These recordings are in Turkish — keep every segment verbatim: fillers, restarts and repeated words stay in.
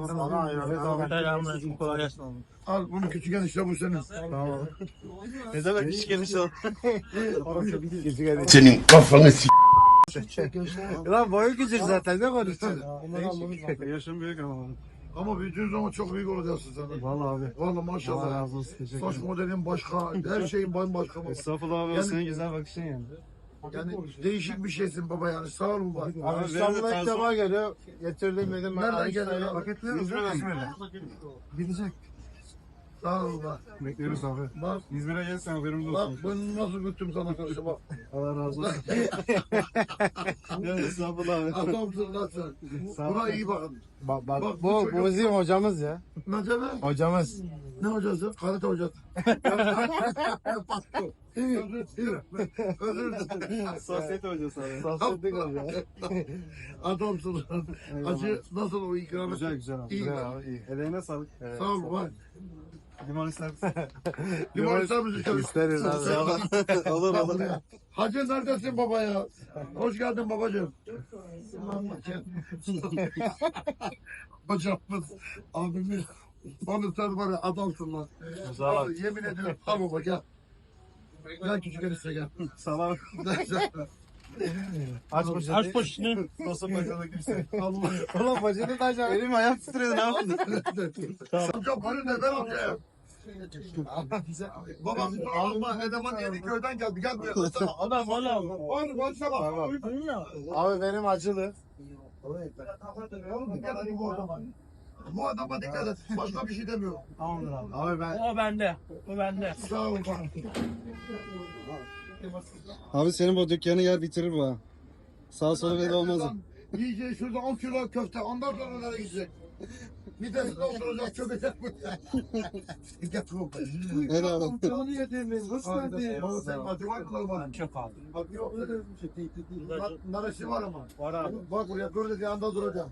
Sana evet, Selamünaleyküm. Kolay gelsin. al bunu küçük enişte bu senin. Tamam. Ne demek küçük enişte o? Senin kafanı s***. Lan boyu küçük zaten ne konuşuyorsun? Yaşım büyük ama. Ama büyüdüğün zaman çok büyük olacaksın sen. Vallahi abi. Vallahi Allah maşallah. razı olsun. Teşekkür Saç ederim. modelin başka, her şeyin bambaşka baba. Estağfurullah abi. Yani- Senin güzel bakışın yani. Yani değişik bir şeysin baba yani. Sağ ol baba. Abi İstanbul'a ilk defa geliyor. Getirdim dedim. Nereden geliyor? Paketliyor musun? İzmir'den. Gidecek. Sağ ol baba. Bekliyoruz abi. Bak, İzmir'e gelsen haberimiz bak olsun. bunu nasıl götüm sana karşı bak. Allah razı olsun. Ya estağfurullah abi. Adamsın lan sen. Sağ ol. Buna iyi bakın. Bak bak, Bak, bu bu, çocuk- bu bizim hocamız ya. Ne demek? Hocamız. Ne hocası? Karate hocası. Özür dilerim. Özür dilerim. Sosyete hocası abi. Sosyete hocası. Adamsın lan. Acı nasıl o ikramı? Güzel güzel abi. İyi. Güzel abi iyi. Eleğine sağlık. Evet. Sağ ol bak. Limon ister misin? Limon ister misin? İsteriz abi. Sağ ol. Olur Bak olur. buraya. Hacı neredesin baba ya? Hoş geldin babacığım. Hocamız, abimiz. Onu sen var ya adamsın lan. Sağ ol. Abi, yemin ediyorum. Al baba gel. Gel küçük enişte gel. Salam. Aç poşeti. Aç poşetini. Nasıl poşete kimse? Allah. Ulan poşeti de açar. Elim ayağım titredi ne yaptın? Amca bana neden amca? Baba alma Edeman yedi köyden geldi. Gel buraya. Adam valla. Oğlum konuşma bak. Abi benim acılı. Oğlum gel hadi bu adama. Bu adama dikkat et. Başka bir şey demiyorum. Tamamdır abi. Abi ben... O bende. O bende. Sağ ol bak. Abi senin bu dükkanı yer bitirir bu ha. Sağ solu belli olmaz. o. Yiyeceği şurada on kilo köfte. Ondan sonra nereye gidecek? Midesinde oturacak çökecek bu. Gel baba. Helal olsun. Canını yedirmeyiz. Hoş geldin. Baba sen motivasyon kılma. Çok abi. Bak yok öyle bir şey değil. Nar- Naresi var ama. Var abi. Bak buraya böyle bir anda duracağım.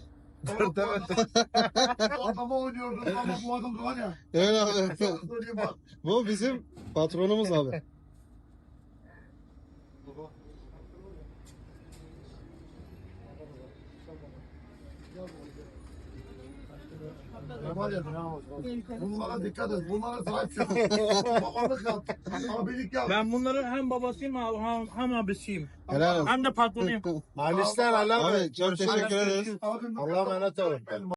Adama oynuyordun ama bu adam var ya. Evet abi. Söyleyeyim bak. Bu bizim patronumuz abi. Var ya, bunlara dikkat et. Bunlara sahip çık. Babalık yap. Abilik yap. Ben bunların hem babasıyım hem, hem abisiyim. Helal olsun. Hem de patronuyum. Alişler Allah. Abi çok teşekkür ederiz. Abim- Allah'a emanet olun.